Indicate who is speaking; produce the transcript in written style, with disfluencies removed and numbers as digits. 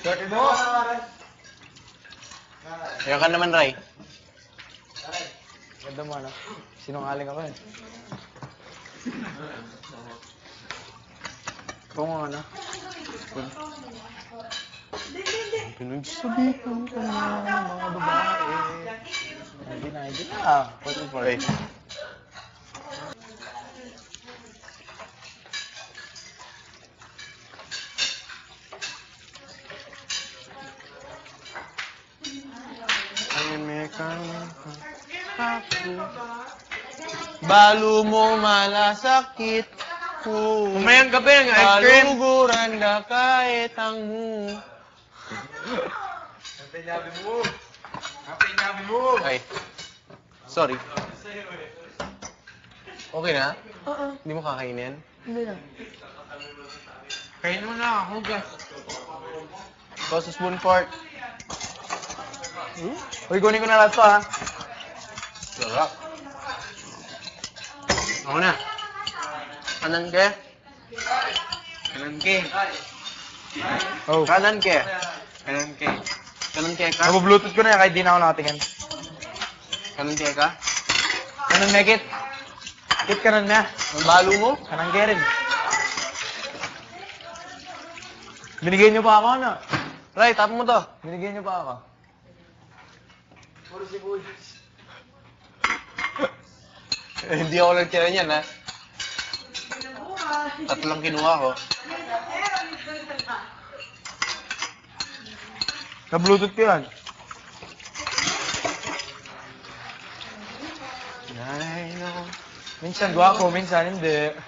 Speaker 1: Ayan ka naman, Ray.
Speaker 2: Ganda mo, ano? Sinungaling ako eh. Kung ano?
Speaker 1: Pinagsabihan ka na ng mga babae.
Speaker 2: Hindi na.
Speaker 1: What is for it? Balo mo malasakit ko.
Speaker 2: Mamayang gabi ng ice cream.
Speaker 1: Baluguran na kahit ang mo.
Speaker 2: Napi mo.
Speaker 1: Ay. Sorry. Okay na? Hindi mo kakainin?
Speaker 3: Hindi na.
Speaker 2: Kain mo na, hugas.
Speaker 1: Ito sa spoon fork.
Speaker 2: Uy, kunin ko na lahat to, ha?
Speaker 1: Sarap. Ako na. Kanan ke?
Speaker 2: Kanan ke.
Speaker 1: Oh. Kanan ke?
Speaker 2: Kanan ke.
Speaker 1: Kanan ke ka?
Speaker 2: Nabu-bluetooth ko na yan kahit di na ako nakatingin.
Speaker 1: Kanan ke ka?
Speaker 2: Kanan na, Kit. Kit, kanan na.
Speaker 1: Ang balo mo?
Speaker 2: Kanan ke rin. Binigyan niyo pa ako, ano?
Speaker 1: Ray, tap mo to.
Speaker 2: Binigyan niyo pa ako.
Speaker 1: Hindi ako nagtira niyan, ha? Tatlong kinuha ko.
Speaker 2: Ka-bluetooth ko yan.
Speaker 1: I know.
Speaker 2: Minsan gwapo, minsan hindi.